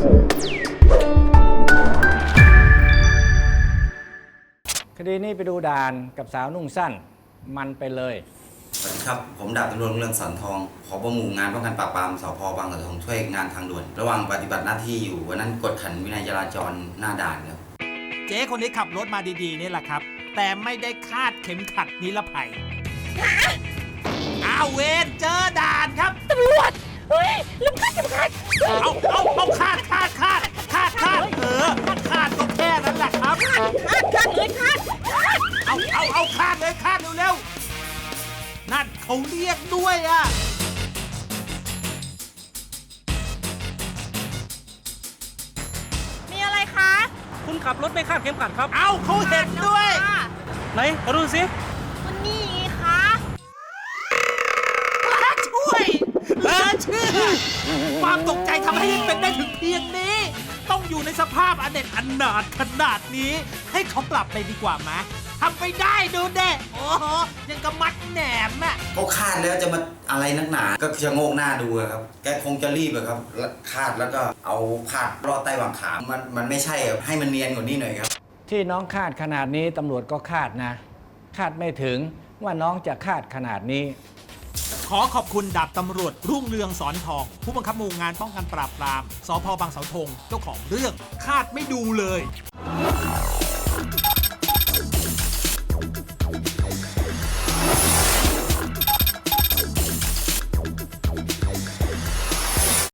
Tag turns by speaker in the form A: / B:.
A: คดีนี้ไปดูด่านกับสาวนุ่งสั้นมันไปเลย
B: สวัสดีครับผมดาบตำรวจเรืองสอนทองผบ.หมู่งานป้องกันปราบปรามสภ.บางกระทงช่วยงานทางด่วนระหว่างปฏิบัติหน้าที่อยู่วันนั้นกดขันวินัยจราจรหน้าด่านครับ
C: เจ๊คนนี้ขับรถมาดีๆนี่แหละครับแต่ไม่ได้คาดเข็มขัดนิรภัยอ้าวเวนเจอด่านครับ
D: ตำรวจเฮ้ยลืมคาดเข็มขัด
C: เอาคาดคาดก็แค่นั้นแหละครับ
D: คาดเลยคาด
C: เอาคาดเลยคาดเร็วๆนั่นเขาเรียกด้วยอ่ะ
D: มีอะไรคะ
E: คุณขับรถไม่คาดเข็มขัดครับ
C: เอาเขาเห็นด้วย
E: ไหนมาดูสิ
D: วันนี้ไงคะ
C: ช่วยเหลือเชื่อความตกใจทำให้เป็นได้ถึงเพียงนี้ต้องอยู่ในสภาพอเนจอนาถขนาดนี้ให้เขาปรับไปดีกว่าไหมทำไปได้ดูเด้โอ้โหยังกระมัดแหนมอ่ะ
B: เขาคาดแล้วจะมาอะไรนักหนาก็จะโงกหน้าดูครับแกคงจะรีบครับคาดแล้วก็เอาพาดรอดใต้หว่างขามันไม่ใช่ให้มันเนียนกว่านี้หน่อยครับ
A: ที่น้องคาดขนาดนี้ตำรวจก็คาดนะคาดไม่ถึงว่าน้องจะคาดขนาดนี้
C: ขอขอบคุณดาบตำรวจรุ่งเรืองสอนทองผู้บังคับหมู่งานป้องกันปราบปรามสภ.บางเสาธงเจ้าของเรื่องคาดไม่ดูเลย